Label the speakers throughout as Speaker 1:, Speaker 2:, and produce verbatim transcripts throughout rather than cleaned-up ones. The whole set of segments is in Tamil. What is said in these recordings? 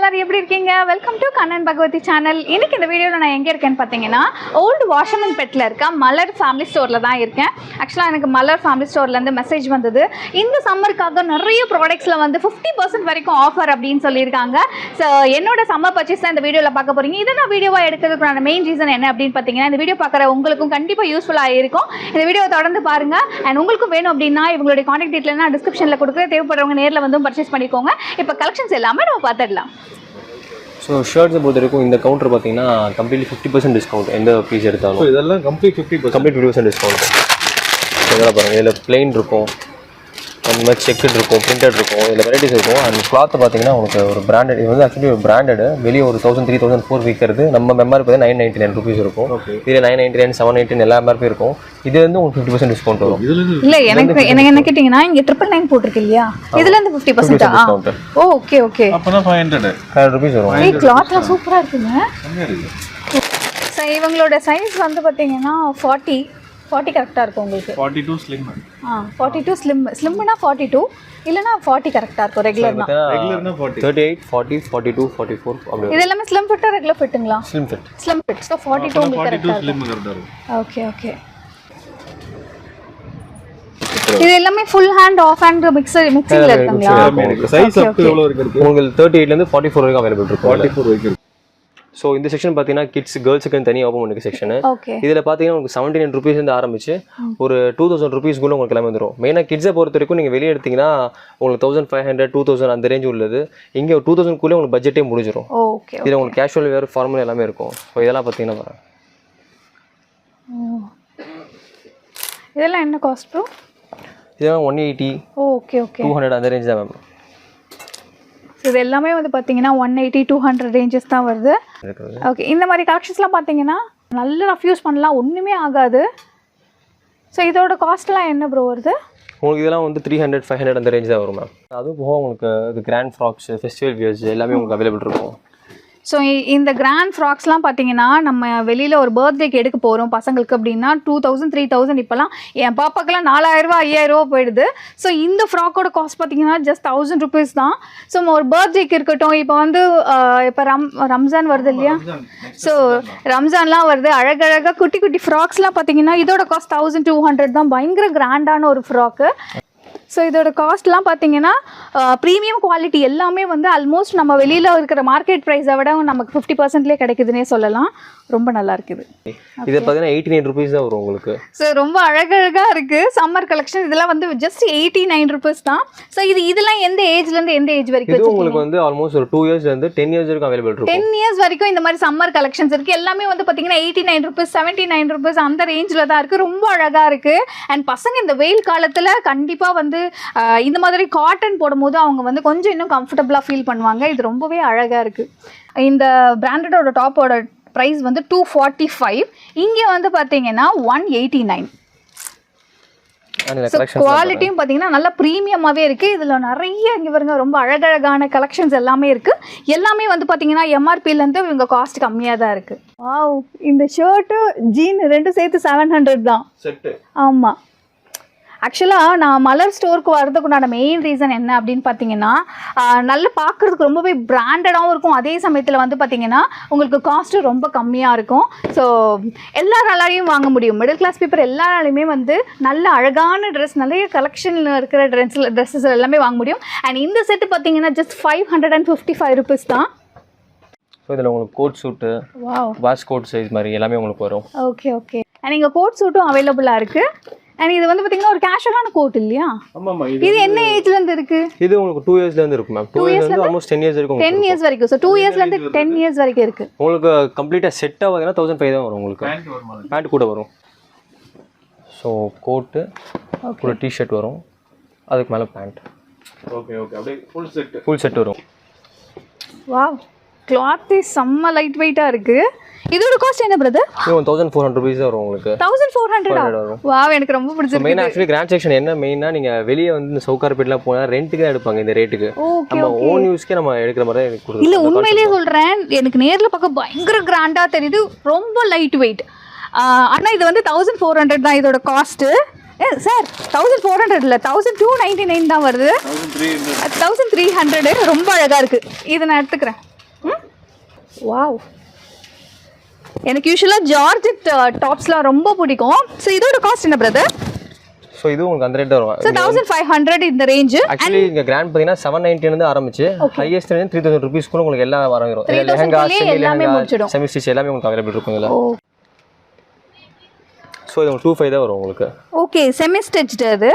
Speaker 1: எல்லாரும் எப்படி இருக்கீங்க? Welcome to Kannan Bhagavathi channel. இன்னைக்கு இந்த வீடியோவில் நான் எங்கே இருக்கேன்னு பார்த்தீங்கன்னா ஓல்டு வாஷமன் பெட்டில் இருக்க மலர் ஃபேமிலி ஸ்டோரில் தான் இருக்கேன். ஆக்சுவலாக எனக்கு மலர் ஃபேமிலி ஸ்டோர்லேருந்து மெசேஜ் வந்தது. இந்த சம்மருக்காக நிறைய ப்ராடக்ட்ஸில் வந்து ஃபிஃப்டி பர்சன்ட் வரைக்கும் ஆஃபர் அப்படின்னு சொல்லியிருக்காங்க. ஸோ என்னோட சம்மர் பர்ச்சேஸ் தான் இந்த வீடியோவில் பார்க்க போகிறீங்க. இதை நான் வீடியோவாக எடுக்கிறதுக்கான மெயின் ரீசன் என்ன அப்படின்னு பார்த்தீங்கன்னா, இந்த வீடியோ பார்க்குற உங்களுக்கும் கண்டிப்பாக யூஸ்ஃபுல்லாக இருக்கும். இந்த வீடியோவை தொடர்ந்து பாருங்கள். அண்ட் உங்களுக்கும் வேணும் அப்படின்னா இவங்களுடைய கான்டாக்ட் டீட்டெயில் நான் டிஸ்கிரிப்ஷனில் கொடுக்குற, தேவைப்படுறவங்க நேரில் வந்து பர்ச்சேஸ் பண்ணிக்கோங்க. இப்போ கலெக்ஷன்ஸ் எல்லாமே நம்ம பார்த்துடலாம்.
Speaker 2: ஸோ ஷர்ட்ஸை பொறுத்த வரைக்கும் இந்த கவுண்டர் பார்த்தீங்கன்னா கம்ப்ளீட்லி ஃபிஃப்டி பர்சன்ட் டிஸ்கவுண்ட் எந்த பீஸ் எடுத்தாலும்.
Speaker 3: ஸோ இதெல்லாம் complete fifty
Speaker 2: complete fifty percent discount. இதெல்லாம் பாருங்கள், இதில் பிளெயின் இருக்கும், அந்த மாதிரி செக்குட் இருக்கும், பிரிண்டட் இருக்கும், இதில் வெரைட்டிஸ் இருக்கும். அண்ட் கிளாத்து பார்த்தீங்கன்னா உங்களுக்கு ஒரு பிராண்டட், இது வந்து ஆக்சுவலி ஒரு பிராண்டட் வெளியே ஒரு தௌசண்ட் த்ரீ தௌசண்ட் ஃபோர் விற்கிறது நம்ம எம்ஆர்பி பார்த்தீங்கன்னா நைன் நைன்ட்டி நைன் ருபீஸ் இருக்கும். இதில் nine ninety nine seven ninety எல்லா எம்ஆர்பி இருக்கும். இது வந்து உங்களுக்கு ஃபிஃப்டி பர்சன்ட் டிஸ்கவுண்ட் வரும்.
Speaker 1: இல்லை எனக்கு எனக்கு என்ன கேட்டிங்கன்னா இங்கே ட்ரிபிள் நைன் போட்டிருக்கு இல்லையா, இதுலேருந்து fifty percent discount. Oh okay okay.
Speaker 3: அப்போனா five hundred
Speaker 2: five hundred rupees வரும்.
Speaker 1: ஏய் கிளாத்லாம் சூப்பராக இருக்குங்க. ஸோ இவங்களோட சைஸ் வந்து பார்த்தீங்கன்னா ஃபார்ட்டி ஃபார்ட்டி கரெக்டாக இருக்கும் உங்களுக்கு.
Speaker 3: Forty two slim.
Speaker 1: ஆ ஃபார்ட்டி டூ ஸ்லிம் ஸ்லிம்னா ஃபார்ட்டி டூ இல்லைனா ஃபார்ட்டி கரெக்டாக இருக்கும். ரெகுலர்னா
Speaker 3: ரெகுலர்னா forty
Speaker 2: thirty eight forty forty two forty four அப்படி.
Speaker 1: இது எல்லாமே ஸ்லிம் ஃபிட்டா ரெகுலர் ஃபிட்டுங்களா?
Speaker 2: Slim fit.
Speaker 1: Slim fit. So forty two உங்களுக்கு
Speaker 3: ஃபார்ட்டி டூ
Speaker 1: கரெக்டாக
Speaker 3: ஸ்லிம்
Speaker 1: இருக்கும்.
Speaker 3: கரெக்டாக இருக்கும்.
Speaker 1: Okay okay. இது எல்லாமே full hand half hand mixture மிக்சிங்ல இருக்குங்களா?
Speaker 3: சைஸ் அப் டு எவ்வளவு இருக்கு?
Speaker 2: உங்களுக்கு தேர்ட்டி எயிட்லேருந்து ஃபார்ட்டி ஃபோர் வரைக்கும் அவைலபிள் இருக்கும்.
Speaker 3: ஃபார்ட்டி ஃபோர் வரைக்கும் இருக்கு.
Speaker 2: ஸோ இந்த செக்ஷன் பார்த்தீங்கன்னா கிட்ஸ் கேர்ள்ஸுக்கு தனியாக ஓப்பன் பண்ணிக்க செக்ஷன்.
Speaker 1: ஓகே.
Speaker 2: இதில் பார்த்தீங்கன்னா உங்களுக்கு செவன்டி நைன் ருபீஸ்லேருந்து ஆரம்பிச்சு ஒரு டூ தௌசண்ட் ருபீஸ்க்குள்ள உங்களுக்கு எல்லாமே வந்துடும். மெயினாக கிட்ஸை பொறுத்த வரைக்கும் நீங்கள் வெளியே எடுத்தீங்கன்னா உங்களுக்கு thousand five hundred two thousand அந்த ரேஞ்ச் உள்ளது. இங்கே ஒரு டூ தௌசண்ட்குள்ளே உங்களுக்கு பட்ஜெட்டே முடிஞ்சிடும்.
Speaker 1: ஓகே.
Speaker 2: இதில் உங்களுக்கு கேஷுவல் வேறு ஃபார்மல் எல்லாமே இருக்கும். ஸோ இதெல்லாம் பார்த்தீங்கன்னா வரேன்.
Speaker 1: இதெல்லாம் என்ன காஸ்ட் ப்ரோ?
Speaker 2: இதெல்லாம் one eighty
Speaker 1: okay okay
Speaker 2: two hundred அந்த ரேஞ்ச் தான் மேம்.
Speaker 1: இது எல்லாமே வந்து பார்த்தீங்கன்னா one eighty two hundred ranges தான் வருது. ஓகே. இந்த மாதிரி கலெக்ஷன்ஸ்லாம் பார்த்தீங்கன்னா நல்ல ரஃப் யூஸ் பண்ணலாம், ஒன்றுமே ஆகாது. ஸோ இதோட காஸ்ட்லாம் என்ன ப்ரோ வருது?
Speaker 2: உங்களுக்கு இதெல்லாம் வந்து த்ரீ ஹண்ட்ரட் ஃபைவ் ஹண்ட்ரட் அந்த ரேஞ்ச் தான் வரும் மேம். அதுவும் போக உங்களுக்கு இது கிராண்ட் ஃப்ராக்ஸ், ஃபெஸ்டிவல் வியர்ஸ் எல்லாமே உங்களுக்கு அவைலபிள் இருக்கும்.
Speaker 1: ஸோ இந்த கிராண்ட் ஃப்ராக்ஸ்லாம் பார்த்தீங்கன்னா நம்ம வெளியில் ஒரு பர்த்டேக்கு எடுக்க போகிறோம் பசங்களுக்கு அப்படின்னா டூ தௌசண்ட் த்ரீ தௌசண்ட் இப்போலாம் என் பாப்பாக்கெல்லாம் நாலாயிரரூவா ஐயாயிரரூவா போயிடுது. ஸோ இந்த ஃப்ராக்கோட காஸ்ட் பார்த்தீங்கன்னா ஜஸ்ட் தௌசண்ட் ருபீஸ் தான். ஸோ ஒரு பர்த்டேக்கு இருக்கட்டும், இப்போ வந்து இப்போ ரம் ரம்ஜான் வருது இல்லையா, ஸோ ரம்ஜான்லாம் வருது, அழகழகாக குட்டி குட்டி ஃப்ராக்ஸ்லாம் பார்த்தீங்கன்னா இதோட காஸ்ட் தௌசண்ட் டூ ஹண்ட்ரட் தான். பயங்கர கிராண்டான ஒரு ஃப்ராக்கு. ஸோ இதோட காஸ்ட்லாம் பார்த்தீங்கன்னா ப்ரீமியம் குவாலிட்டி எல்லாமே வந்து ஆல்மோஸ்ட் நம்ம வெளியில் இருக்கிற மார்க்கெட் ப்ரைஸை விட நமக்கு ஃபிஃப்டி பர்சன்ட்லேயே கிடைக்குதுன்னே சொல்லலாம். ரொம்ப நல்லா இருக்குது.
Speaker 2: இது பார்த்தீங்கன்னா எயிட்டி நைன் ருபீஸ் தான் வரும் உங்களுக்கு.
Speaker 1: ஸோ ரொம்ப அழகழகாக இருக்குது சம்மர் கலெக்ஷன். இதெல்லாம் வந்து ஜஸ்ட் எயிட்டி நைன் ருபீஸ் தான். ஸோ இது இதெல்லாம் எந்த ஏஜ்லேருந்து எந்த ஏஜ் வரைக்கும்?
Speaker 2: இது உங்களுக்கு வந்து ஆல்மோஸ்ட் ஒரு டூ இயர்ஸ்லேருந்து டென் இயர்ஸ் வரைக்கும் அவைலபிள் இருக்கும்.
Speaker 1: டென் இயர்ஸ் வரைக்கும் இந்த மாதிரி சம்மர் கலெக்ஷன்ஸ் இருக்குது. எல்லாமே வந்து பார்த்தீங்கன்னா eighty nine rupees seventy nine rupees அந்த ரேஞ்சில் தான் இருக்குது. ரொம்ப அழகாக இருக்குது. அண்ட் பசங்க இந்த வெயில் காலத்தில் கண்டிப்பாக வந்து இந்த மாதிரி காட்டன் போடும்போது அவங்க வந்து கொஞ்சம் இன்னும் கம்ஃபர்டபுளாக ஃபீல் பண்ணுவாங்க. இது ரொம்பவே அழகாக இருக்குது. இந்த பிராண்டடோட டாப்போட ப்ரைஸ் வந்து டூ ஃபார்ட்டி ஃபைவ். இங்கே வந்து பார்த்தீங்கன்னா ஒன் எயிட்டி நைன். குவாலிட்டியும் பார்த்தீங்கன்னா நல்லா ப்ரீமியமாகவே இருக்குது. இதில் நிறைய இங்கே பாருங்க ரொம்ப அழகழகான கலெக்ஷன்ஸ் எல்லாமே இருக்குது. எல்லாமே வந்து பார்த்தீங்கன்னா எம்ஆர்பிலேருந்து இவங்க காஸ்ட் கம்மியாக தான் இருக்குது. வாவ், இந்த ஷர்ட்டு ஜீன் ரெண்டும் சேர்த்து செவன் ஹண்ட்ரட் தான்
Speaker 3: செட்டு.
Speaker 1: ஆமாம். ஆக்சுவலாக நான் மலர் ஸ்டோருக்கு வரதுக்குண்டான மெயின் ரீசன் என்ன அப்படின்னு பார்த்தீங்கன்னா, நல்லா பார்க்குறதுக்கு ரொம்பவே பிராண்டடாகவும் இருக்கும், அதே சமயத்தில் வந்து பார்த்தீங்கன்னா உங்களுக்கு காஸ்ட்டு ரொம்ப கம்மியாக இருக்கும். ஸோ எல்லாராலையும் வாங்க முடியும். மிடில் கிளாஸ் பீப்புள் எல்லாராலையுமே வந்து நல்ல அழகான ட்ரெஸ், நிறைய கலெக்ஷனில் இருக்கிற ட்ரெஸ் ட்ரெஸ்ஸஸ் எல்லாமே வாங்க முடியும். அண்ட் இந்த செட்டு பார்த்தீங்கன்னா just five hundred and fifty five rupees தான்.
Speaker 2: ஸோ இதில் உங்களுக்கு கோட் சூட்டு, வாஷ் கோட் சைஸ் மாதிரி எல்லாமே உங்களுக்கு வரும்.
Speaker 1: Okay okay. அண்ட் இங்கே கோட் சூட்டும் அவைலபிளாக இருக்குது. அண்ட் இது வந்து பார்த்தீங்கன்னா ஒரு கேஷுவலான கோட் இல்லையா?
Speaker 3: ஆமாம்மா.
Speaker 1: இது என்ன ஏஜ்லேருந்து இருக்குது?
Speaker 2: இது உங்களுக்கு டூ இயர்ஸ்லேருந்து இருக்கும் மேம். டூ இயர்ஸ்லேருந்து ஆல்மோஸ்ட் டென் இயர்ஸ் வரைக்கும்.
Speaker 1: டென் இயர்ஸ் வரைக்கும். ஸோ டூ இயர்ஸ்லேருந்து டென் இயர்ஸ் வரைக்கும் இருக்குது.
Speaker 2: உங்களுக்கு கம்ப்ளீட்டாக செட்டாக பார்த்தீங்கன்னா தௌசண்ட் ஃபைவ் தான் வரும் உங்களுக்கு. பேண்ட் கூட வரும். ஸோ கோட்டு கூட டிஷர்ட் வரும், அதுக்கு மேலே பேண்ட்.
Speaker 3: Okay okay. அப்படியே ஃபுல் செட்
Speaker 2: ஃபுல் செட் வரும்.
Speaker 1: வாவ், கிளாத்தே செம்ம லைட் வெயிட்டாக இருக்குது. இதோட காஸ்ட் என்ன பிரதர்?
Speaker 2: இது தௌசண்ட் ஃபோர் ஹண்ட்ரட் ருபீஸ் வரும் உங்களுக்கு.
Speaker 1: தௌசண்ட் ஃபோர் ஹண்ட்ரட் வரும். வாவ், எனக்கு ரொம்ப பிடிச்சிருக்கு.
Speaker 2: மெயின் ஆக்சுவலி கிராண்ட் செக்ஷன் என்ன மெயினா நீங்கள் வெளியே வந்து இந்த சவுகார்பேட்லாம் போனால் ரெண்ட்டுக்கு தான் எடுப்பாங்க இந்த ரேட்டுக்கு. நம்ம ஓன் யூஸ்க்கே நம்ம எடுக்கிற மாதிரி தான் எனக்கு கொடுக்கும்.
Speaker 1: இல்லை உண்மையிலேயே சொல்கிறேன், எனக்கு நேரில் பார்க்க பயங்கர கிராண்டாக தெரியுது, ரொம்ப லைட் வெயிட். ஆனால் இது வந்து தௌசண்ட் ஃபோர் ஹண்ட்ரட் தான் இதோட காஸ்ட்டு. ஏ சார், தௌசண்ட் ஃபோர் ஹண்ட்ரட் இல்லை, தௌசண்ட் டூ நைன்ட்டி நைன் தான் வருது. தௌசண்ட் த்ரீ ஹண்ட்ரடு ரொம்ப அழகாக இருக்குது. இதை நான் எடுத்துக்கிறேன். வாவ், எனக்கு யூஸ்வலாக ஜார்ஜெட் டாப்ஸ்லாம் ரொம்ப பிடிக்கும். ஸோ இதோட காஸ்ட் என்ன பிரதர்?
Speaker 2: ஸோ இது உங்களுக்கு அந்த ரேட் தான் வரும்.
Speaker 1: ஸோ தௌசண்ட் ஃபைவ் ஹண்ட்ரட் இந்த ரேஞ்சு.
Speaker 2: ஆக்சுவலி இங்கே கிராண்ட் பார்த்தீங்கன்னா செவன் நைன்ட்டிலேருந்து ஆரம்பிச்சு highest range three thousand rupees கூட உங்களுக்கு எல்லாம் வரும். Lehenga, semi lehenga, semi stitch எல்லாமே உங்களுக்கு அவைலபிள் இருக்கும் இதில். ஸோ இது டூ ஃபைவ் தான் வரும் உங்களுக்கு.
Speaker 1: ஓகே, செமி ஸ்டிச்டு அது.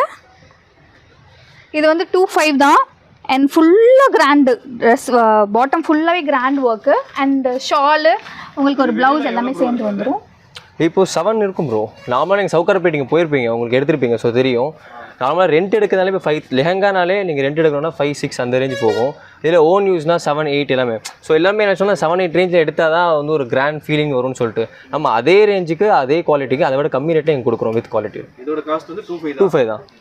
Speaker 1: இது வந்து டூ ஃபைவ் தான். அண்ட் ஃபுல்லாக கிராண்டு ட்ரெஸ், பாட்டம் ஃபுல்லாகவே கிராண்ட் ஒர்க்கு அண்ட் ஷாலு உங்களுக்கு ஒரு ப்ளவுஸ் எல்லாமே சேர்ந்து வந்துடும்.
Speaker 2: இப்போ செவன் இருக்கும் ப்ரோ. நார்மலாக நீங்கள் சவுக்காரப்பேட்டிங்க போயிருப்பீங்க, உங்களுக்கு எடுத்துருப்பீங்க. ஸோ தெரியும். நார்மலாக ரெண்ட் எடுக்கிறதாலே இப்போ ஃபைவ் லெஹங்கானாலே நீங்கள் ரெண்ட் எடுக்கணும்னா ஃபைவ் சிக்ஸ் அந்த ரேஞ்சு போகும். இதில் ஓன் யூஸ்னா செவன் எயிட் எல்லாமே. ஸோ எல்லாமே என்ன சொன்னால் செவன் எயிட் ரேஞ்சில் எடுத்தால் தான் வந்து ஒரு கிராண்ட் ஃபீலிங் வரும்னு சொல்லிட்டு நம்ம அதே ரேஞ்சுக்கு அதே குவாலிட்டிக்கு அதை விட கம்மி ரேட்டே எங்களுக்கு கொடுக்குறோம் வித் குவாலிட்டி.
Speaker 3: இதோட காஸ்ட் வந்து டூ ஃபைவ்
Speaker 2: டூ ஃபைவ் தான்.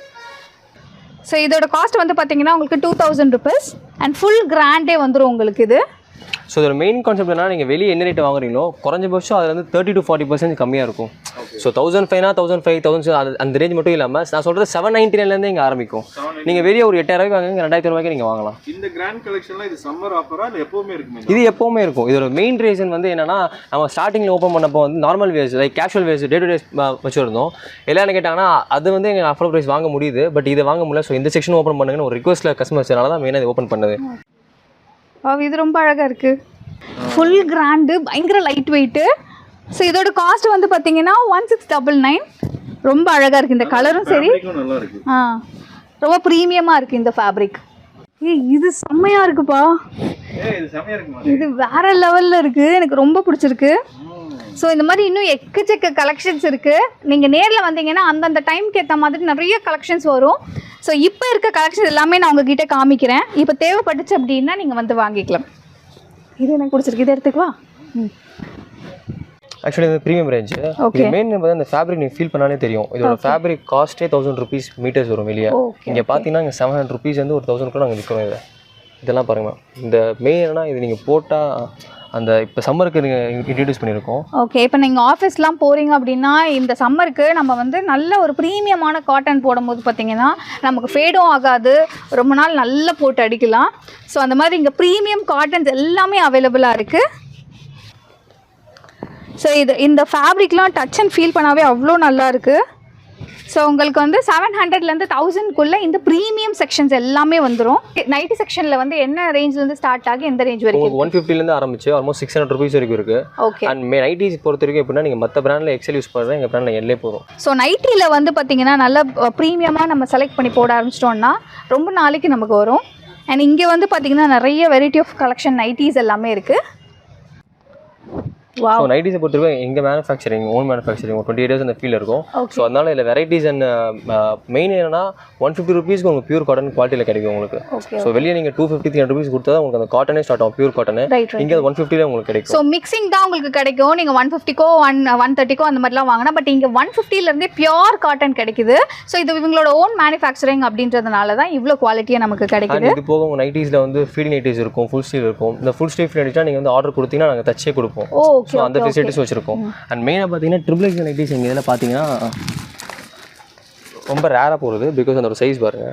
Speaker 1: ஸோ இதோட காஸ்ட் வந்து பார்த்தீங்கன்னா உங்களுக்கு two thousand rupees and full கிராண்டே வந்துடும் உங்களுக்கு இது.
Speaker 2: ஸோ இதோட மெயின் கான்செப்ட் என்ன, நீங்கள் வெளியே என்ன ரேட் வாங்குறீங்களோ குறைஞ்சபட்சம் அதில் வந்து தேர்ட்டி டு ஃபார்ட்டி பர்சன்ட் கம்மியாக இருக்கும். ஸோ தௌசண்ட் ஃபைவ்னா தௌசண்ட் ஃபைவ் தௌசண்ட் அது அந்த ரேஞ்ச் மட்டும் இல்லாமல் நான் சொல்கிறது செவன் நைன்டி நைன்லேருந்து இங்கே ஆரம்பிக்கும். நீங்கள் வெளியே ஒரு எட்டாயிரம் வாங்குங்க, ரெண்டாயிரத்தி ரூபாய்க்கு நீங்கள் வாங்கலாம்.
Speaker 3: இந்த கிராண்ட் கலெக்ஷன்லாம் இது சம்மர் ஆஃபரா இல்லை எப்பவுமே இருக்குமே?
Speaker 2: இது எப்போவுமே இருக்கும். இதோட மெயின் ரீசன் வந்து என்னன்னா, நம்ம ஸ்டார்டிங்கில் ஓப்பன் பண்ணப்போ வந்து normal wears like casual wears day to day வச்சுருந்தோம். எல்லாம் கேட்டாங்கன்னா அது வந்து எங்கள் அஃபோர்ட் ப்ரைஸ் வாங்க முடியுது, பட் இதை வாங்க முடியல. ஸோ இந்த செக்ஷன் ஓப்பன் பண்ணுங்கன்னு ஒரு ரிக்வஸ்ட்டில் கஸ்டமர்ஸ்னால தான் மெயினாக இது ஓப்பன் பண்ணது.
Speaker 1: இது ரொம்ப அழகாக இருக்குது. ஃபுல் கிராண்டு, பயங்கர லைட் வெயிட்டு. ஸோ இதோட காஸ்ட் வந்து பார்த்தீங்கன்னா ஒன் சிக்ஸ் டபுள் நைன். ரொம்ப அழகாக இருக்குது. இந்த கலரும் சரி,
Speaker 3: நல்லா இருக்கு.
Speaker 1: ஆ ரொம்ப ப்ரீமியமாக இருக்குது இந்த ஃபேப்ரிக். ஏய் இது செம்மையாக இருக்குப்பா.
Speaker 3: ஏய் இது செம்மையா இருக்குமா?
Speaker 1: இது வேற லெவலில் இருக்குது, எனக்கு ரொம்ப பிடிச்சிருக்கு. ஸோ இந்த மாதிரி இன்னும் எக்கச்சக்க கலெக்ஷன்ஸ் இருக்குது. நீங்கள் நேரில் வந்தீங்கன்னா அந்தந்த டைமுக்கு ஏற்ற மாதிரி நிறைய கலெக்ஷன்ஸ் வரும். ஸோ இப்போ இருக்க கலெக்ஷன்ஸ் எல்லாமே நான் உங்ககிட்ட காமிக்கிறேன். இப்போ தேவைப்பட்டுச்சு அப்படின்னா நீங்கள் வந்து வாங்கிக்கலாம். இது எனக்கு பிடிச்சிருக்கு, இதை எடுத்துக்குவா. ம்
Speaker 2: ஆக்சுவலி இது ப்ரீமியம் ரேஞ்சு. இது மெயின் பார்த்தா இந்த ஃபேப்ரிக் நீங்கள் ஃபீல் பண்ணாலே தெரியும். இதோட ஃபேப்ரிக் காஸ்ட்டே தௌசண்ட் ருபீஸ் மீட்டர்ஸ் வரும் வெளியே. இங்கே பார்த்தீங்கன்னா இங்கே செவன் ஹண்ட்ரட் ருபீஸ் வந்து ஒரு தௌசண்ட் கூட நாங்கள் விற்கிறோம். இதை இதெல்லாம் பாருங்கள். இந்த மெயின் என்னன்னா இது நீங்கள் போட்டால் அந்த இப்போ சம்மருக்கு நீங்கள் இன்ட்ரடியூஸ் பண்ணியிருக்கோம்.
Speaker 1: ஓகே, இப்போ நீங்கள் ஆஃபீஸ்லாம் போகிறீங்க அப்படின்னா இந்த சம்மருக்கு நம்ம வந்து நல்ல ஒரு ப்ரீமியமான காட்டன் போடும்போது பார்த்தீங்கன்னா நமக்கு ஃபேடும் ஆகாது, ரொம்ப நாள் நல்லா போட்டு அடிக்கலாம். ஸோ அந்த மாதிரி இங்கே ப்ரீமியம் காட்டன்ஸ் எல்லாமே அவைலபிளாக இருக்குது. ஸோ இது இந்த ஃபேப்ரிக்லாம் டச் அண்ட் ஃபீல் பண்ணாவே அவ்வளோ நல்லா இருக்குது. ஸோ உங்களுக்கு வந்து செவன் ஹண்ட்ரட்லேருந்து தௌசண்ட்குள்ளே இந்த ப்ரீமியம் செக்ஷன்ஸ் எல்லாமே வந்துடும். நைட்டி செக்ஷனில் வந்து என்ன ரேஞ்சிலேருந்து ஸ்டார்ட் ஆகி எந்த ரேஞ்ச் வரைக்கும்?
Speaker 2: ஒன் ஃபிஃப்டிலேருந்து ஆரம்பிச்சு ஆல்மோஸ்ட் சிக்ஸ் ஹண்ட்ரட் ருபீஸ் வரைக்கும் இருக்குது.
Speaker 1: ஓகே.
Speaker 2: அண்ட் மே நைட்டிஸ் பொறுத்த வரைக்கும் எப்படின்னா நீங்கள் மற்ற பிராண்டில் எக்ஸல் யூஸ் பண்ணுறேன், எங்கள் பிராண்டில் எல்லே போதும்.
Speaker 1: ஸோ நைட்டியில் வந்து பார்த்தீங்கன்னா நல்ல ப்ரீமியமாக நம்ம செலக்ட் பண்ணி போட ஆரம்பிச்சிட்டோம்னா ரொம்ப நாளைக்கு நமக்கு வரும். அண்ட் இங்கே வந்து பார்த்தீங்கன்னா நிறைய வெரைட்டி ஆஃப் கலெக்ஷன் நைட்டிஸ் எல்லாமே இருக்குது.
Speaker 2: ஸோ நைட்டிஸை பொறுத்தவரைக்கும் எங்கள் மேனுஃபேக்சரிங் ஓன் மேனுஃபேக்சரிங் ஒரு டுவெண்ட்டி இயர்ஸ் அந்த ஃபீல் இருக்கும். ஸோ அதனால இதில் வெரைட்டிஸ் அண்ட் மெயின் என்னன்னா ஒன் ஃபிஃப்டி ருபீஸ்க்கு உங்களுக்கு பியூர் காட்டன் குவாலிட்டியில் கிடைக்கும் உங்களுக்கு. ஸோ வெளியே நீங்கள் two fifty three hundred rupees கொடுத்தா தான் உங்களுக்கு அந்த காட்டனே ஸ்டார்ட் ஆகும், பியூர் காட்டன். இங்கே ஒன் ஃபிஃப்டியில் உங்களுக்கு கிடைக்கும்.
Speaker 1: ஸோ மிக்சிங் தான் உங்களுக்கு கிடைக்கும். நீங்கள் ஒன் ஃபிஃப்டிக்கோ ஒன் ஒன் தேர்ட்டிக்கோ அந்த மாதிரிலாம் வாங்கினா, பட் இங்கே ஒன் ஃபிஃப்டிலேருந்தே பியூர் காட்டன் கிடைக்குது. ஸோ இது இவங்களோட ஓன் மேனுஃபேக்சரிங் அப்படின்றதுனால தான் இவ்வளோ குவாலிட்டியாக நமக்கு கிடைக்குது.
Speaker 2: இது போக உங்கள் நைட்டிஸில் வந்து ஃபீல் நைட்டிஸ் இருக்கும், ஃபுல் ஸ்லீவ் இருக்கும். இந்த ஃபுல் ஸ்லீவ் நைட்டிஸ்னா நீங்கள் வந்து ஆர்டர் கொடுத்தீங்கன்னா நாங்கள் தச்சே கொடுப்போம். ஸோ அந்த ஃபெசிலிட்டிஸ் வச்சிருக்கோம். அண்ட் மெயினாக பார்த்தீங்கன்னா ட்ரிபிள் எக்ஸ் நைட்டிஸ் எங்கள் இதில் பார்த்தீங்கன்னா ரொம்ப ரேராக போகிறது, பிகாஸ் அந்த ஒரு சைஸ் பாருங்கள்.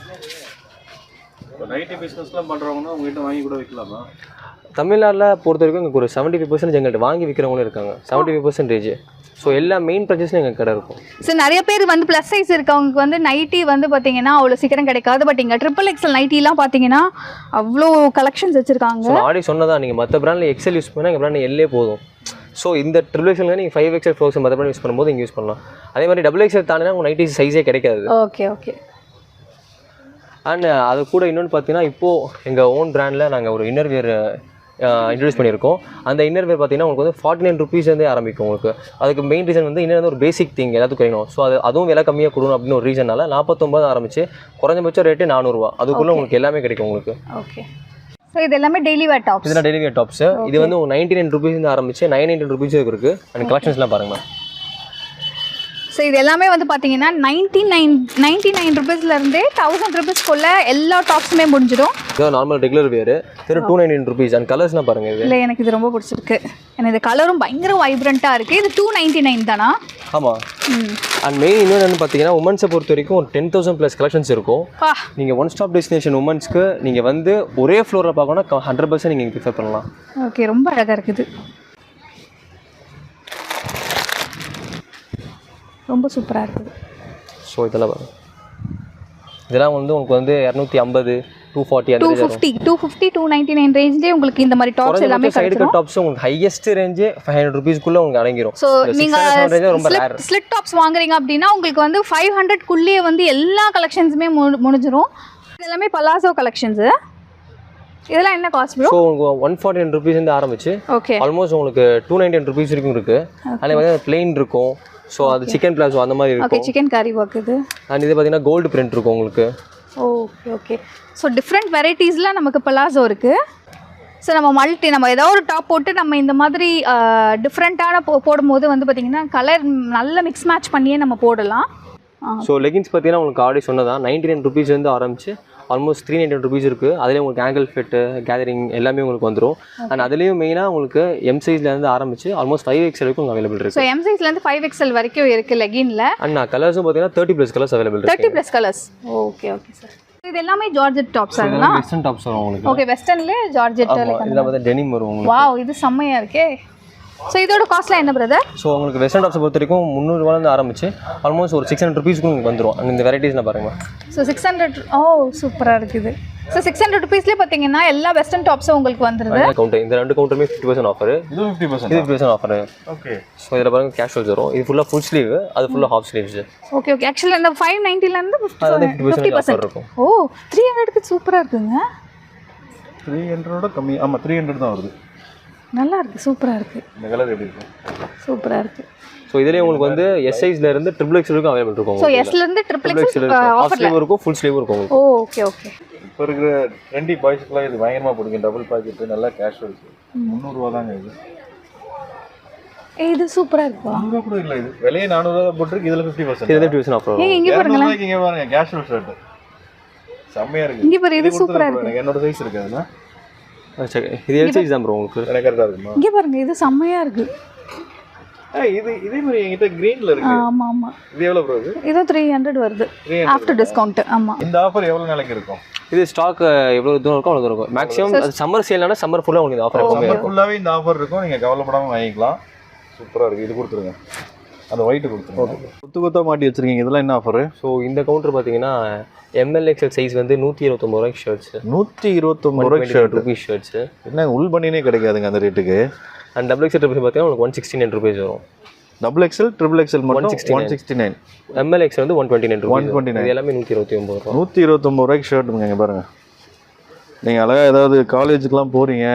Speaker 3: நைட்டி பிஸ்னஸ்லாம் பண்ணுறவங்கன்னா உங்கள்கிட்ட வாங்கி கூட விற்கலாமா?
Speaker 2: தமிழ்நாட்டில் பொறுத்த வரைக்கும் எங்களுக்கு ஒரு செவன்ட்டி ஃபைவ் பர்சன்ட் எங்கள்கிட்ட வாங்கி விற்கிறவங்களும் இருக்காங்க. Seventy five percentage. ஸோ எல்லா மெயின் ப்ரைஸஸ்லையும் எங்கள் கடை இருக்கும்.
Speaker 1: ஸோ நிறைய பேர் வந்து ப்ளஸ் சைஸ் இருக்கவங்களுக்கு வந்து நைட்டி வந்து பார்த்தீங்கன்னா அவ்வளோ சீக்கிரம் கிடைக்காது. பட் இங்கே ட்ரிபிள் எக்ஸல் நைட்டிலாம் பார்த்தீங்கன்னா அவ்வளோ கலெக்ஷன்ஸ் வச்சுருக்காங்க.
Speaker 2: ஸோ ஆடி சொன்னதான் நீங்கள் மற்ற பிராண்டில் எக்ஸல் யூஸ் பண்ணால் எங்கள் பிராண்டில் எல்லே போதும். ஸோ இந்த ட்ரிபிள் எக்ஸல் நீங்கள் ஃபைவ் எக்ஸல் ஃபோர் மற்ற பிராண்ட் யூஸ் பண்ணும்போது இங்கே யூஸ் பண்ணலாம். அதே மாதிரி டபுள் எக்ஸல் தாண்டினா உங்கள் நைட்டி சைஸே கிடைக்காது.
Speaker 1: Okay okay.
Speaker 2: அண்ட் அது கூட இன்னொன்று பார்த்தீங்கன்னா இப்போது எங்கள் ஓன் பிராண்டில் நாங்கள் ஒரு இன்னர் வேர் இன்ட்ரடியூஸ் பண்ணியிருக்கோம். அந்த இன்னர் வேர் பார்த்தீங்கன்னா உங்களுக்கு வந்து ஃபார்ட்டி நைன் ருபீஸ்லேருந்தே ஆரம்பிக்கும் உங்களுக்கு. அதுக்கு மெயின் ரீசன் வந்து இன்னும் ஒரு பேசிக் திங் எல்லாத்துக்கும் கிடைக்கணும். ஸோ அது அதுவும் விலை கம்மியாக கொடுக்கணும் அப்படின்னு ஒரு ரீசனால நாற்பத்தொம்பது ஆரம்பிச்சு குறைஞ்சபட்சம் ரேட்டு நானூறுரூவா. அதுக்குள்ளே உங்களுக்கு எல்லாமே கிடைக்கும் உங்களுக்கு.
Speaker 1: ஓகே. ஸோ இது எல்லாமே டெய்லி வேர் டாப்ஸ்.
Speaker 2: இதெல்லாம் டெய்லி வேர் டாப்ஸ். இது வந்து நைன்டி நைன் ருபீஸ்லேருந்து ஆரம்பிச்சு நைன் நைன்டி ருபீஸ் இருக்குது. அண்ட் கலெக்ஷன்ஸ்லாம் பாருங்கள்.
Speaker 1: ஸோ இது எல்லாமே வந்து பார்த்தீங்கன்னா நைன்டி நைன் நைன்டி நைன் ருபீஸ்லேருந்தே தௌசண்ட் ருபீஸ்க்குள்ளே எல்லா டாப்ஸுமே முடிஞ்சிடும்.
Speaker 2: இதான் நார்மல் ரெகுலர் வேர் திரு two ninety nine rupees. And கலர்ஸ்லாம் பாருங்கள். இது
Speaker 1: இல்லை எனக்கு இது ரொம்ப பிடிச்சிருக்கு. எனக்கு இந்த கலரும் பயங்கர வைப்ரண்ட்டாக இருக்குது. இது டூ நைன்டி நைன் தானா?
Speaker 2: ஆமாம். அண்ட் மெயின் இன்னொன்று பார்த்தீங்கன்னா உமன்ஸை பொறுத்த வரைக்கும் ஒரு டென் தௌசண்ட் ப்ளஸ் கலெக்ஷன்ஸ் இருக்கும். நீங்கள் ஒன் ஸ்டாப் டெஸ்டினேஷன் உமன்ஸ்க்கு நீங்கள் வந்து ஒரே ஃப்ளோரில் பார்க்கணும்னா ஹண்ட்ரட் பர்சன்ட் நீங்கள் ப்ரிஃபர் பண்ணலாம்.
Speaker 1: ஓகே, ரொம்ப அழகாக இருக்குது. ரொம்ப சூப்பராக இருக்குது.
Speaker 2: ஸோ இதெல்லாம் பாருங்கள். இதெல்லாம் வந்து உங்களுக்கு வந்து இரநூத்தி ஐம்பது two forty
Speaker 1: two fifty two fifty two ninety nine ரேஞ்சிலே உங்களுக்கு இந்த மாதிரி டாப்ஸ் எல்லாமே
Speaker 2: சைடு கட் டாப்ஸ் உங்களுக்கு ஹையஸ்ட் ரேஞ்சே ஃபைவ் ஹண்ட்ரட் ருபீஸ்க்குள்ளே உங்களுக்கு அடங்கிடும்.
Speaker 1: ஸோ நீங்கள் ரொம்ப ஸ்லிட் டாப்ஸ் வாங்குறீங்க அப்படின்னா உங்களுக்கு வந்து ஃபைவ் ஹண்ட்ரட்குள்ளேயே வந்து எல்லா கலெக்ஷன்ஸுமே மு முடிஞ்சிடும். இது எல்லாமே பலாசோ கலெக்ஷன்ஸு. இதெல்லாம் என்ன காஸ்ட் ப்ரோ?
Speaker 2: ஸோ உங்களுக்கு ஒன் ஃபார்ட்டி நைன் ருபீஸ்லேருந்து ஆரம்பிச்சு
Speaker 1: ஓகே
Speaker 2: ஆல்மோஸ்ட் உங்களுக்கு டூ நைன்டி நைன் ருபீஸ் வரைக்கும் இருக்குது. அதில் வந்து பிளெயின் இருக்கும். ஸோ அது சிக்கன் பிளாஸோ அந்த மாதிரி இருக்கும்.
Speaker 1: ஓகே, சிக்கன் கறி ஒர்க் இது.
Speaker 2: அண்ட் இது பார்த்தீங்கன்னா கோல்டு பிரிண்ட் இருக்கும் உங்களுக்கு.
Speaker 1: Okay okay. ஸோ டிஃப்ரெண்ட் வெரைட்டிஸ்லாம் நமக்கு பலாசோ இருக்குது. ஸோ நம்ம மல்டி நம்ம ஏதோ ஒரு டாப் போட்டு நம்ம இந்த மாதிரி டிஃப்ரெண்ட்டான போ போடும்போது வந்து பார்த்திங்கன்னா கலர் நல்ல மிக்ஸ் மேட்ச் பண்ணியே நம்ம போடலாம்.
Speaker 2: ஸோ லெகின்ஸ் பார்த்தீங்கன்னா உங்களுக்கு ஆல்ரெடி சொன்னதான் நைன்டி நைன் ருபீஸ்லேருந்து ஆரம்பிச்சு ஆல்மோஸ்ட் த்ரீ நைன்டி ருபீஸ் இருக்குது. அதிலே உங்களுக்கு ஆங்கிள் ஃபிட்டு கேதரிங் எல்லாமே உங்களுக்கு வந்துடும். அண்ட் அதுலேயும் மெயினாக உங்களுக்கு எம் சைஸ்லேருந்து ஆரம்பிச்சு ஆல்மோஸ்ட் ஃபைவ் எக்ஸ்எல் வரைக்கும் அவைலபிள் இருக்குது.
Speaker 1: ஸோ எம் சைஸ்லேருந்து ஃபைவ் எக்ஸ்எல் வரைக்கும் இருக்குது லெகினில்.
Speaker 2: அண்ட் நான் கலர்ஸும் பார்த்தீங்கன்னா தேர்ட்டி ப்ளஸ் கலர்ஸ் அவைலபிள் இருக்குது.
Speaker 1: Thirty plus colours. Okay okay sir. இது எல்லாமே ஜார்ஜெட் டாப்ஸ் அதெல்லாம்.
Speaker 2: வெஸ்டர்ன் டாப்ஸ் வரும் உங்களுக்கு.
Speaker 1: ஓகே, வெஸ்டர்ன்ல ஜார்ஜெட்.
Speaker 2: இதில் பார்த்தா டெனிம் வரும் உங்களுக்கு.
Speaker 1: வாவ், இது செம்மையாக இருக்கே. ஸோ இதோட காஸ்ட்லாம் என்ன பிரதர்?
Speaker 2: ஸோ உங்களுக்கு வெஸ்டர்ன் டாப்ஸை பொறுத்த வரைக்கும் முந்நூறுவாலேருந்து ஆரம்பிச்சு ஆல்மோஸ்ட் ஒரு சிக்ஸ் ஹண்ட்ரட் ருபீஸ்க்கு உங்களுக்கு வந்துடும். அண்ட் இந்த வெரைட்டிஸ்லாம் பாருங்கள்.
Speaker 1: ஸோ சிக்ஸ் ஹண்ட்ரட் ஓ சூப்பராக இருக்குது. ஸோ சிக்ஸ் ஹண்ட்ரட் ருபீஸ்லேயே பார்த்தீங்கன்னா எல்லா வெஸ்டர்ன் டாப்ஸும் உங்களுக்கு வந்துருது.
Speaker 2: கவுண்டர் இந்த ரெண்டு கவுண்டருமே ஃபிஃப்டி பர்சன்ட் ஆஃபர்.
Speaker 3: இது ஃபிஃப்டி பர்சன்ட்
Speaker 2: இது fifty percent offer.
Speaker 3: Okay.
Speaker 2: So இதில் பாருங்க கேஷுவல்ஸ் வரும். இது ஃபுல்லாக ஃபுல் ஸ்லீவ், அது ஃபுல்லாக ஹாஃப் ஸ்லீவ்ஸ்.
Speaker 1: Okay okay. ஆக்சுவலாக இந்த ஃபைவ் நைன்ட்டிலேருந்து
Speaker 2: ஃபிஃப்டி பர்சன்ட் இருக்கும்.
Speaker 1: ஓ த்ரீ ஹண்ட்ரடுக்கு சூப்பராக இருக்குங்க.
Speaker 3: த்ரீ ஹண்ட்ரடோட கம்மி. ஆமாம், த்ரீ ஹண்ட்ரட் தான் வருது.
Speaker 1: நல்லா இருக்குது, சூப்பராக இருக்குது.
Speaker 3: இந்த கலர் எப்படி இருக்கும்?
Speaker 1: சூப்பராக இருக்குது.
Speaker 2: ஸோ இதுலேயே உங்களுக்கு வந்து எஸ் சைஸ்ல இருந்து ட்ரிபிள் எக்ஸ் வரைக்கும் அவைலபிள் இருக்கும்.
Speaker 1: ஸோ எஸ்ல இருந்து ட்ரிபிள் எக்ஸ்
Speaker 2: ஹாஃப் ஸ்லீவ் இருக்கும், ஃபுல் ஸ்லீவ் இருக்கும்.
Speaker 1: Oh okay okay.
Speaker 3: இப்போ இருக்கிற ட்ரெண்டி பாய்ஸ்க்குலாம் இது பயங்கரமாக பிடிக்கும். டபுள் பாக்கெட்டு நல்லா கேஷுவல்ஸ். முந்நூறுரூவா தாங்க இது.
Speaker 1: இது சூப்பராக இருக்கும்.
Speaker 3: முந்நூறுரூவா கூட இல்லை, இது விலையே நானூறுரூவா போட்டுருக்கு. இதில் ஃபிஃப்டி பர்சன்ட்
Speaker 2: இதில் ஃபிஃப்டி பர்சன்ட் ஆஃபர்.
Speaker 1: இங்கே பாருங்களேன்,
Speaker 3: இங்கே பாருங்க கேஷுவல் ஷர்ட் செம்மையாக இருக்குது.
Speaker 1: இங்கே பாரு, இது சூப்பராக இருக்குது.
Speaker 3: என்னோட சைஸ் இருக்குது அதில்.
Speaker 2: இது எல் சைஸ் தான் ப்ரோ உங்களுக்கு.
Speaker 3: எனக்கு கரெக்டாக இருக்குமா?
Speaker 1: இங்கே பாருங்க, இது செம்மையாக இருக்குது.
Speaker 3: இது இதே மாதிரி என்கிட்ட கிரீன்ல இருக்கு.
Speaker 1: ஆமா ஆமா.
Speaker 3: இது எவ்வளவு ப்ரோ? இது
Speaker 1: இது த்ரீ ஹண்ட்ரட் வருது ஆஃப்டர் டிஸ்கவுண்ட். ஆமா.
Speaker 3: இந்த ஆஃபர் எவ்வளவு நாளைக்கு இருக்கும்?
Speaker 2: இது ஸ்டாக் எவ்வளவு தூரம் இருக்கோ அவ்வளவு தூரம் இருக்கும். மேக்ஸிமம் அது சம்மர் சேல்னா சம்மர் ஃபுல்லா உங்களுக்கு இந்த ஆஃபர் இருக்கும்.
Speaker 3: சம்மர் ஃபுல்லாவே இந்த ஆஃபர் இருக்கும். நீங்க கவலைப்படாம வாங்கிக்கலாம். சூப்பரா இருக்கு. இது கொடுத்துருங்க. அந்த ஒயிட் கொடுத்துருங்க. கொத்து கொத்தா மாட்டி வச்சிருக்கீங்க. இதெல்லாம் என்ன ஆஃபர்?
Speaker 2: ஸோ இந்த கவுண்டர் பார்த்தீங்கன்னா எம்எல்எக்ஸ்எல் சைஸ் வந்து நூற்றி இருபத்தொம்பது ரூபாய்க்கு ஷர்ட்ஸ்.
Speaker 3: நூற்றி இருபத்தொம்பது ரூபாய்க்கு ஷர்ட்
Speaker 2: ருபீஸ் ஷர்ட்ஸ்.
Speaker 3: என்ன உள் பண்ணினே கிடைக்காதுங்க அந்த ரேட்டுக்கு.
Speaker 2: அண்ட் டபுள் எக்ஸ்எல் ருபீஸ் பார்த்தீங்கன்னா உங்களுக்கு ஒன் சிக்ஸ்டி நைன் ருபீஸ் வரும்.
Speaker 3: டபுள் எக்ஸ்எல் ட்ரிபிள் எக்ஸ்எல் மட்டும் ஒன் சிக்ஸ்டி நைன்.
Speaker 2: எம்எல்எக்ஸ் வந்து one twenty nine
Speaker 3: one twenty nine.
Speaker 2: எல்லாமே நூற்றி இருபத்தி ஒம்பது ரூபா.
Speaker 3: நூற்றி இருபத்தொம்பது ரூபாய்க்கு ஷர்ட்டுங்க. இங்கே பாருங்க, நீங்கள் அழகாக ஏதாவது காலேஜுக்கெலாம் போகிறீங்க,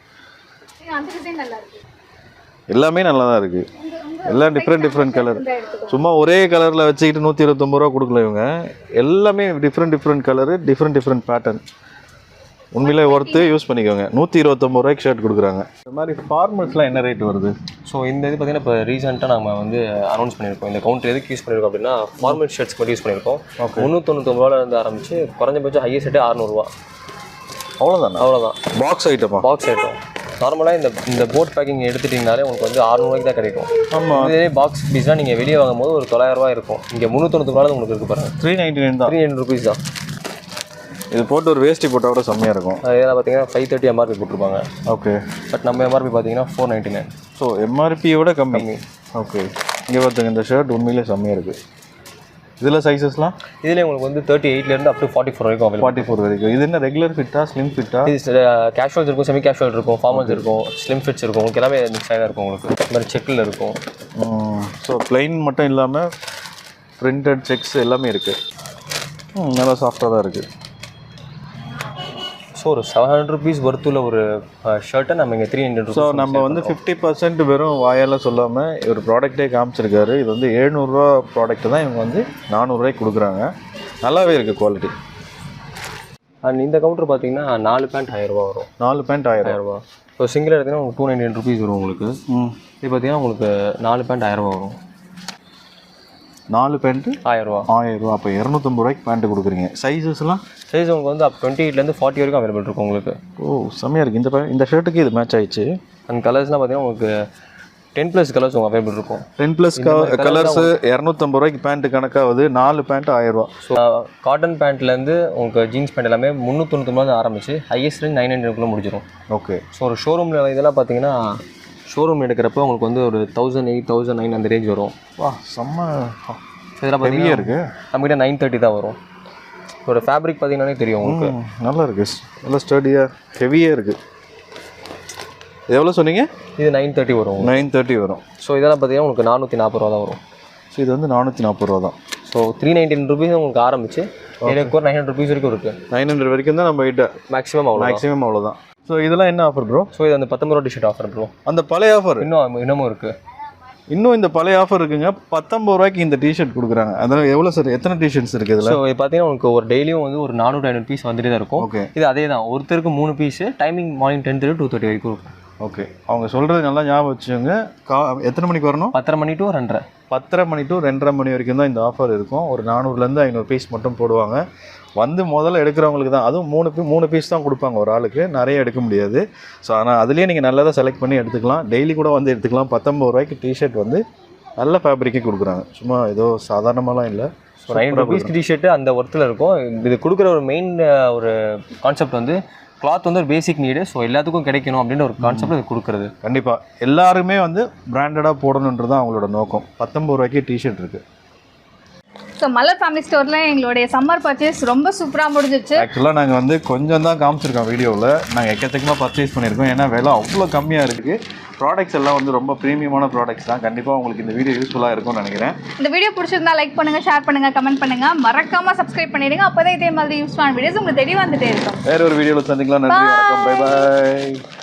Speaker 3: எல்லாமே நல்லா தான் இருக்குது. எல்லாம் டிஃப்ரெண்ட் டிஃப்ரெண்ட் கலர். சும்மா ஒரே கலரில் வச்சுக்கிட்டு நூற்றி இருபத்தொம்பது ரூபா கொடுக்கல இவங்க. எல்லாமே different different colour, different different pattern. உண்மையிலே ஒர்த்து, யூஸ் பண்ணிக்கோங்க. நூற்றி இருபத்தொம்பது ரூபாய்க்கு ஷர்ட் கொடுக்குறாங்க. இந்த மாதிரி ஃபார்மல்ஸ்லாம் என்ன ரேட் வருது?
Speaker 2: ஸோ இந்த இது பார்த்தீங்கன்னா இப்போ ரீசெண்டாக நம்ம வந்து அனௌன்ஸ் பண்ணியிருக்கோம். இந்த கவுண்டர் எதுக்கு யூஸ் பண்ணியிருக்கோம் அப்படின்னா ஃபார்மல் ஷர்ட்ஸ் மட்டும் யூஸ் பண்ணியிருக்கோம். முந்நூற்றொண்ணூத்தொம்பது ரூபாயிலேருந்து ஆரம்பிச்சு குறைஞ்சபட்சம் ஹையஸ்ட் ரேட்டு அறுநூறுவா.
Speaker 3: அவ்வளோதான்
Speaker 2: அவ்வளோதான்.
Speaker 3: பாக்ஸ் ஐட்டமா?
Speaker 2: Box item. நார்மலாக இந்த இந்த போட் பேக்கிங் எடுத்துட்டிங்கனாலே உங்களுக்கு வந்து அறுநூறுவாய்க்கு தான் கிடைக்கும். ஆமாம். இதே பாக்ஸ் பீஸ்னால் நீங்கள் வெளியே வாங்கும்போது ஒரு தொள்ளாயிரரூவா இருக்கும். இங்கே முந்நூற்றொண்ணூறு ரூபா உங்களுக்கு இருக்குது பாருங்கள்.
Speaker 3: த்ரீ நைன்ட்டி நைன் தான்.
Speaker 2: த்ரீ ஹண்ட்ரட் ருபீஸ் தான்.
Speaker 3: இது போட்டு ஒரு வேஸ்ட்டி போட்டால் கூட செம்மையாக இருக்கும்.
Speaker 2: இதெல்லாம் பார்த்தீங்கன்னா ஃபைவ் தேர்ட்டி எம்ஆர்பி போட்டிருப்பாங்க.
Speaker 3: ஓகே.
Speaker 2: பட் நம்ம எம்ஆர்பி பார்த்தீங்கன்னா ஃபோர் நைன்ட்டி நைன்.
Speaker 3: ஸோ எம்ஆர்பியோட கம்மி. ஓகே. இங்கே பார்த்துங்க, இந்த ஷர்ட் உண்மையிலே செம்மையாக இருக்குது. இதில் சைஸஸ்லாம்
Speaker 2: இதில் உங்களுக்கு வந்து தேர்ட்டி எயிட்லேருந்து அப் டு ஃபார்ட்டி ஃபோர் வரைக்கும் அவைலபிள்.
Speaker 3: ஃபார்ட்டி ஃபோர் வரைக்கும். இது என்ன ரெகுலர் ஃபிட்டா, ஸ்லிம் ஃபிட்டா?
Speaker 2: இது கேஷுவல்ஸ் இருக்கும், செமி கேஷுவல் இருக்கும், ஃபார்மல்ஸ் இருக்கும், ஸ்லிம் ஃபிட்ஸ் இருக்கும். உங்களுக்கு எல்லாமே மிக்ஸ் ஆகி இருக்கும். உங்களுக்கு இந்த மாதிரி செக்கில் இருக்கும்.
Speaker 3: ஸோ பிளைன் மட்டும் இல்லாமல் பிரிண்டட் செக்ஸ் எல்லாமே இருக்குது. நல்லா சாஃப்டாக தான் இருக்குது.
Speaker 2: ஸோ ஒரு செவன் ஹண்ட்ரட் ருபீஸ் ஒர்த்துள்ள ஒரு ஷர்ட்டை நம்ம இங்கே த்ரீ ஹண்ட்ரட்.
Speaker 3: ஸோ நம்ம வந்து ஃபிஃப்டி பர்சன்ட் வெறும் வாயால் சொல்லாமல் ஒரு ப்ராடக்ட்டே காமிச்சிருக்காரு. இது வந்து எழுநூறுரூவா ப்ராடக்ட்டு தான் இவங்க வந்து நானூறுரூவாய்க்கு கொடுக்குறாங்க. நல்லாவே இருக்குது குவாலிட்டி.
Speaker 2: அண்ட் இந்த கவுண்டர் பார்த்தீங்கன்னா நாலு பேண்ட் ஆயிரரூபா வரும்.
Speaker 3: நாலு பேண்ட் ஆயிரம்
Speaker 2: ஆயிரரூபா. ஸோ சிங்கிள் எடுத்தீங்கன்னா உங்களுக்கு டூ நைன்டி நைன் ருபீஸ் வரும் உங்களுக்கு. இது பார்த்தீங்கன்னா உங்களுக்கு நாலு பேண்ட் ஆயிரரூபா வரும்.
Speaker 3: நாலு பேண்ட்டு
Speaker 2: ஆயிரம் ரூபா
Speaker 3: ஆயிரம் ரூபா அப்போ இரநூத்தம்பது ரூபாய்க்கு பேண்ட்டு கொடுக்குறீங்க. சைஸஸ்லாம்
Speaker 2: சைஸ் உங்களுக்கு வந்து அப் டுவெண்ட்டி எயிட்லேருந்து ஃபார்ட்டி வரைக்கும் அவைலபிள் இருக்கும் உங்களுக்கு.
Speaker 3: ஓ செம்மையாக இருக்குது. இந்த இந்த ஷர்ட்டுக்கு இது மேட்ச் ஆயிடுச்சு.
Speaker 2: அண்ட் கலர்ஸ்லாம் பார்த்தீங்கன்னா உங்களுக்கு டென் ப்ளஸ் கலர்ஸ் உங்களுக்கு அவைலபிள் இருக்கும்.
Speaker 3: டென் ப்ளஸ் கலர்ஸு இரநூத்தம்பது ரூபாய்க்கு பேண்ட்டு கணக்காகுது. நாலு பேண்ட்டு ஆயிரரூவா.
Speaker 2: ஸோ காட்டன் பேண்ட்லேருந்து உங்களுக்கு ஜீன்ஸ் பேண்ட் எல்லாமே முந்நூற்றொண்ணூத்தொம்பது ஆரம்பிச்சு ஹையஸ்ட் ரேஞ்ச் நைன் ஹண்ட்ரட்குள்ளே முடிஞ்சிடும்.
Speaker 3: ஓகே.
Speaker 2: ஸோ ஒரு ஷோரூமில் இதெல்லாம் பார்த்தீங்கன்னா ஷோரூம் எடுக்கிறப்ப உங்களுக்கு வந்து ஒரு தௌசண்ட் எயிட் தௌசண்ட் நைன் அந்த ரேஞ்ச் வரும்.
Speaker 3: வா செம்ம
Speaker 2: இதெல்லாம்
Speaker 3: ஹெவியாக இருக்குது.
Speaker 2: நம்மகிட்ட நைன் தேர்ட்டி தான் வரும். ஒரு ஃபேப்ரிக் பார்த்தீங்கன்னாலே தெரியும் உங்களுக்கு.
Speaker 3: நல்லா இருக்குது, நல்லா ஸ்டடியாக ஹெவியாக இருக்குது. எவ்வளோ சொன்னீங்க? இது
Speaker 2: நைன் தேர்ட்டி வரும்.
Speaker 3: நைன் தேர்ட்டி வரும்.
Speaker 2: ஸோ இதெல்லாம் பார்த்தீங்கன்னா உங்களுக்கு நானூற்றி நாற்பது ரூபா தான் வரும்.
Speaker 3: ஸோ இது வந்து நானூற்றி நாற்பது ரூபா தான்.
Speaker 2: ஸோ த்ரீ நைன்டீன் ருபீஸ் உங்களுக்கு ஆரம்பிச்சு எனக்கு ஒரு நைன் ஹண்ட்ரட் ருபீஸ் வரைக்கும் இருக்குது.
Speaker 3: நைன் ஹண்ட்ரட் வரைக்கும் தான் நம்ம கிட்ட
Speaker 2: மேக்ஸிமம் அவ்வளோ
Speaker 3: மேக்ஸிமம் அவ்வளோதான். ஸோ இதெல்லாம் என்ன ஆஃபர் ப்ரோ?
Speaker 2: ஸோ இது அந்த பத்தொம்பது ரூபா டிஷர்ட் ஆஃபர் ப்ரோ.
Speaker 3: அந்த பழைய ஆஃபர்
Speaker 2: இன்னும் இன்னமும் இருக்குது.
Speaker 3: இன்னும் இந்த பழைய ஆஃபர் இருக்குங்க. பத்தொம்பது ரூபாய்க்கு இந்த டிஷர்ட் கொடுக்குறாங்க. அதனால் எவ்வளோ சார் எத்தனை டிஷர்ட்ஸ் இருக்குது இதில்?
Speaker 2: ஸோ இது பார்த்தீங்கன்னா உங்களுக்கு ஒரு டெய்லியும் வந்து ஒரு நானூறு ஐநூறு பீஸ் வந்துட்டு தான் இருக்கும்.
Speaker 3: ஓகே.
Speaker 2: இது அதே தான், ஒருத்தருக்கு மூணு piece, timing morning ten thirty two thirty வரைக்கும் இருக்கும்.
Speaker 3: ஓகே. அவங்க சொல்கிறது நல்லா ஞாபகம் வச்சுக்கோங்க. கா எத்தனை மணிக்கு வரணும்?
Speaker 2: பத்தரை மணி டு ரெண்டரை
Speaker 3: பத்தரை மணி டு ரெண்டரை மணி வரைக்கும் தான் இந்த ஆஃபர் இருக்கும். ஒரு நானூறுலேருந்து ஐநூறு பீஸ் மட்டும் போடுவாங்க. வந்து முதல்ல எடுக்கிறவங்களுக்கு தான், அதுவும் மூணு பீ மூணு பீஸ் தான் கொடுப்பாங்க ஒரு ஆளுக்கு, நிறைய எடுக்க முடியாது. ஸோ ஆனால் அதுலேயே நீங்கள் நல்லதாக செலக்ட் பண்ணி எடுத்துக்கலாம். டெய்லி கூட வந்து எடுத்துக்கலாம். பத்தொம்பது ரூபாய்க்கு டிஷர்ட் வந்து நல்ல ஃபேப்ரிக்கே கொடுக்குறாங்க. சும்மா ஏதோ சாதாரணமாலாம் இல்லை.
Speaker 2: ஸோ நைன் ருபீஸ் டிஷர்ட்டு அந்த ஒர்த்தில் இருக்கும். இது கொடுக்குற ஒரு மெயின் ஒரு கான்செப்ட் வந்து கிளாத் வந்து ஒரு பேசிக் நீடு. ஸோ எல்லாத்துக்கும் கிடைக்கணும் அப்படின்ற ஒரு கான்செப்ட் இது கொடுக்குறது.
Speaker 3: கண்டிப்பாக எல்லாருமே வந்து பிராண்டடாக போடணுன்றது தான் அவங்களோட நோக்கம். பத்தொம்பது ரூபாய்க்கு டிஷர்ட் இருக்குது.
Speaker 1: ஸோ மலர் ஃபேமிலி ஸ்டோரில் எங்களுடைய சம்மர் பர்ச்சேஸ் ரொம்ப சூப்பராக முடிஞ்சிச்சு.
Speaker 3: ஆக்சுவலாக நாங்கள் வந்து கொஞ்சம் தான் காமிச்சிருக்கோம் வீடியோவில். நாங்கள் எக்கச்சக்கமாக பர்ச்சேஸ் பண்ணியிருக்கோம். ஏன்னா விலை அவ்வளோ கம்மியாக இருக்குது. ப்ராடக்ட்ஸ் எல்லாம் வந்து ரொம்ப ப்ரீமியமான ப்ராடக்ட்ஸ் தான். கண்டிப்பாக உங்களுக்கு இந்த வீடியோ யூஸ்ஃபுல்லாக இருக்கும்னு நினைக்கிறேன்.
Speaker 1: இந்த வீடியோ பிடிச்சிருந்தா லைக் பண்ணுங்கள், ஷேர் பண்ணுங்கள், கமெண்ட் பண்ணுங்கள், மறக்காமல் சப்ஸ்கிரைப் பண்ணிடுங்க. அப்போ தான் இதே மாதிரி யூஸ்ஃபுல்லான வீடியோஸ் உங்களுக்கு தெரிய வந்துட்டே இருக்கும்.
Speaker 3: வேறு ஒரு வீடியோவில் சந்திக்கலாம். நன்றி, வணக்கம், பை பாய்.